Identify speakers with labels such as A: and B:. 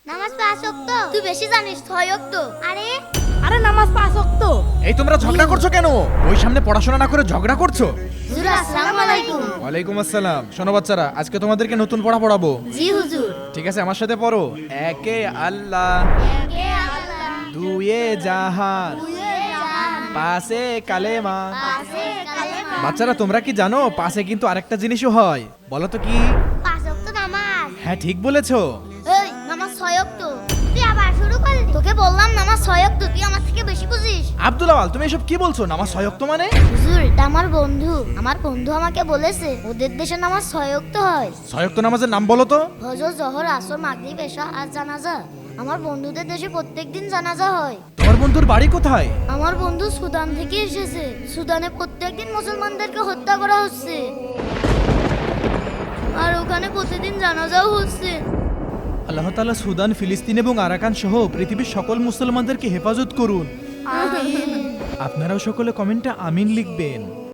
A: নামাজ 5 ওয়াক্ত। তুই বেশি জানিস 6 ওয়াক্ত।
B: আরে নামাজ 5 ওয়াক্ত।
C: এই তোমরা ঝগড়া করছো কেন? ওই সামনে পড়াশোনা না করে ঝগড়া করছো?
A: হুজুর আসসালামু আলাইকুম।
C: ওয়ালাইকুম আসসালাম। শোনো বাচ্চারা, আজকে তোমাদেরকে নতুন পড়া পড়াবো।
A: জি হুজুর।
C: ঠিক আছে, আমার সাথে পড়ো। একে আল্লাহ,
A: একে আল্লাহ,
C: দুয়ে জাহান,
A: দুয়ে জাহান,
C: পাশে কালেমা।
A: পাশে কালেমা।
C: বাচ্চারা, তোমরা কি জানো পাশে কিন্তু আরেকটা জিনিসও হয়? বলো তো কি?
A: 5 ওয়াক্ত নামাজ।
C: হ্যাঁ, ঠিক বলেছো।
A: এই নামাজ 6 ওয়াক্ত। তুই আবার শুরু করলি? তোকে বললাম নামাজ 6 ওয়াক্ত, তুই আমার থেকে বেশি বুঝিস।
C: আব্দুল আওয়াল, তুমি এসব কি বলছো? নামাজ 6 ওয়াক্ত মানে?
A: হুজুর, এটা আমার বন্ধু আমাকে বলেছে ওদের দেশে নামাজ 6 ওয়াক্ত হয়।
C: 6 ওয়াক্ত নামাজের নাম বলো তো।
A: ফজর, জোহর, আসর, মাগরিব, এশা আর জানাজা। আমার বন্ধুদের দেশে প্রত্যেকদিন জানাজা হয়।
C: তোমার বন্ধুর বাড়ি কোথায়?
A: আমার বন্ধু সুদান থেকে এসেছে। সুদানে প্রত্যেকদিন মুসলমানদেরকে হত্যা করা হচ্ছে, আর ওখানে প্রতিদিন জানাজাও হচ্ছে।
C: আল্লাহ তাআলা সুদান, ফিলিস্তিন এবং আরাকান সহ পৃথিবীর সকল মুসলমানদেরকে হেফাজত করুন। আপনারাও সকলে কমেন্টে আমিন লিখবেন।